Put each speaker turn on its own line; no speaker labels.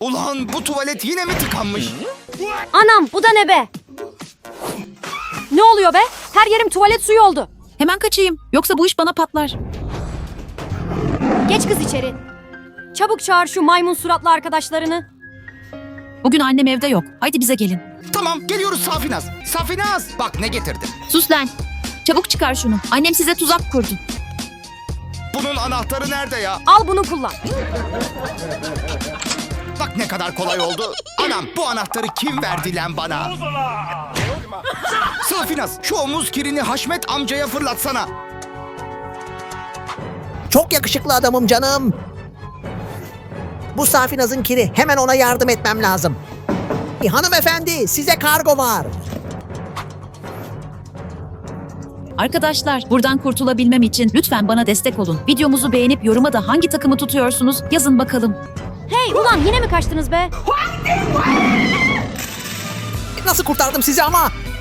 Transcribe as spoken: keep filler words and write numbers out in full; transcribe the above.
Ulan bu tuvalet yine mi tıkanmış?
Anam bu da ne be? Ne oluyor be? Her yerim tuvalet suyu oldu.
Hemen kaçayım. Yoksa bu iş bana patlar.
Geç kız içeri. Çabuk çağır şu maymun suratlı arkadaşlarını.
Bugün annem evde yok. Haydi bize gelin.
Tamam geliyoruz Safinaz. Safinaz bak ne getirdim.
Sus lan. Çabuk çıkar şunu. Annem size tuzak kurdu.
Bunun anahtarı nerede ya?
Al bunu kullan.
Bak ne kadar kolay oldu. Anam bu anahtarı kim verdi lan bana? Safinaz şu omuz kirini Haşmet amcaya fırlatsana.
Çok yakışıklı adamım canım. Bu Safinaz'ın kiri. Hemen ona yardım etmem lazım. Hanımefendi size kargo var.
Arkadaşlar, buradan kurtulabilmem için lütfen bana destek olun. Videomuzu beğenip yoruma da hangi takımı tutuyorsunuz yazın bakalım.
Hey ulan yine mi kaçtınız be?
Nasıl kurtardım sizi ama?